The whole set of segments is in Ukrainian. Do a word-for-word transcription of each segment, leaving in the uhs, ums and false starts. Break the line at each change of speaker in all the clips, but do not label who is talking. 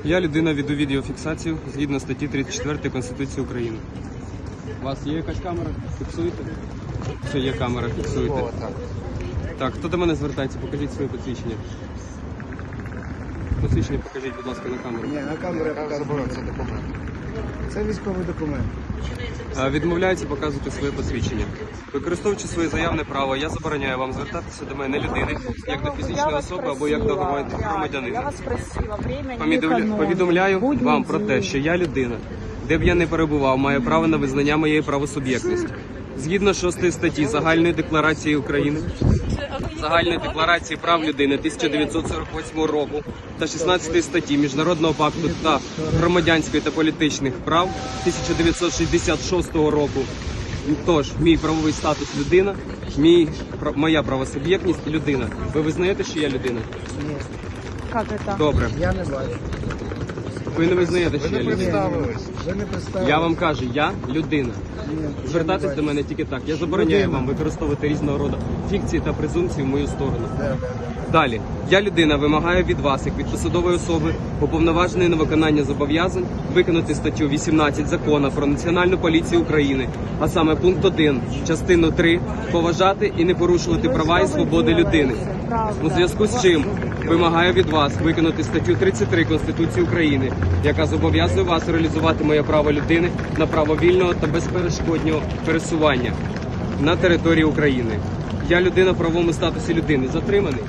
Я людина, веду відеофіксацію згідно статті тридцять четвертої Конституції України. У вас є якась камера? Фіксуєте? Що є камера, фіксуєте. Так, хто до мене звертається? Покажіть своє посвідчення. Посвідчення покажіть, будь ласка, на камеру.
Ні, на камеру я показую. Це документ. Це військовий документ.
А, Відмовляється показувати своє посвідчення. Використовуючи своє заявне право, я забороняю вам звертатися до мене людини, як до фізичної особи або як до
Я
громадянина.
вас просила, время не
Повідомля-
економить.
Повідомляю
Будній
вам про те,
день.
що я людина, де б я не перебував, маю право на визнання моєї правосуб'єктності. Згідно шостої статті Загальної декларації України, Загальної декларації прав людини тисяча дев'ятсот сорок восьмого року та шістнадцятої статті Міжнародного пакту та громадянських та політичних прав тисяча дев'ятсот шістдесят шостого року. Тож, мій правовий статус людина, мій, пра- моя правосуб'єктність людина. Ви визнаєте, що я людина?
Ні,
Как это?
Добре.
я не бачу.
Ви не визнаєте, що я людина?
Представились. Ви не представились.
Я вам кажу, я людина.
Ні, я не
Звертатись
бачу.
до мене тільки так. Я забороняю
Людина.
вам використовувати різного роду фікції та презумпції в мою сторону.
Да, да, да.
Далі. Я людина вимагаю від вас, як від посадової особи, уповноваженої на виконання зобов'язань, виконати статтю вісімнадцять Закону про Національну поліцію України, а саме пункт один, частину три, поважати і не порушувати права і свободи людини. У зв'язку з чим вимагаю від вас виконати статтю тридцять три Конституції України, яка зобов'язує вас реалізувати моє право людини на право вільного та безперешкодного пересування на території України. Я людина в правовому статусі людини. Затриманий.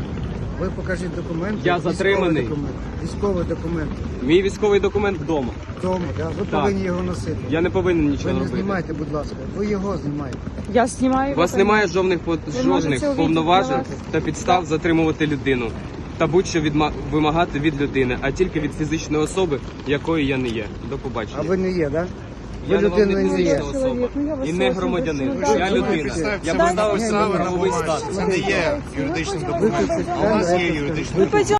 Ви покажіть документ.
Я
військовий
затриманий.
Документ. Військовий документ.
Мій військовий документ вдома.
Вдома, да? Ви
Так.
повинні його носити.
Я не повинен
Ви
нічого
не
робити.
знімайте, будь ласка. Ви його знімаєте.
Я снимаю.
У вас
это.
немає жодних по-
можете
жодних
увидеть
повноважень
для вас.
та підстав затримувати людину та будь-що відма- вимагати від людини, а тільки від фізичної особи, якою я не є. До побачення.
А ви не є, так? Да?
Я
Ви
не вам
людина
не
не є.
фізична особа
Чоловік, ну, я вас
і не
прошу,
громадянин.
до свидання.
Я людина. Я поставив
Ні,
себе
ні,
правовий
ні.
статус.
Це не є юридичним
Ми
документом.
пойдемо.
А у вас є юридичний
Мы пойдем.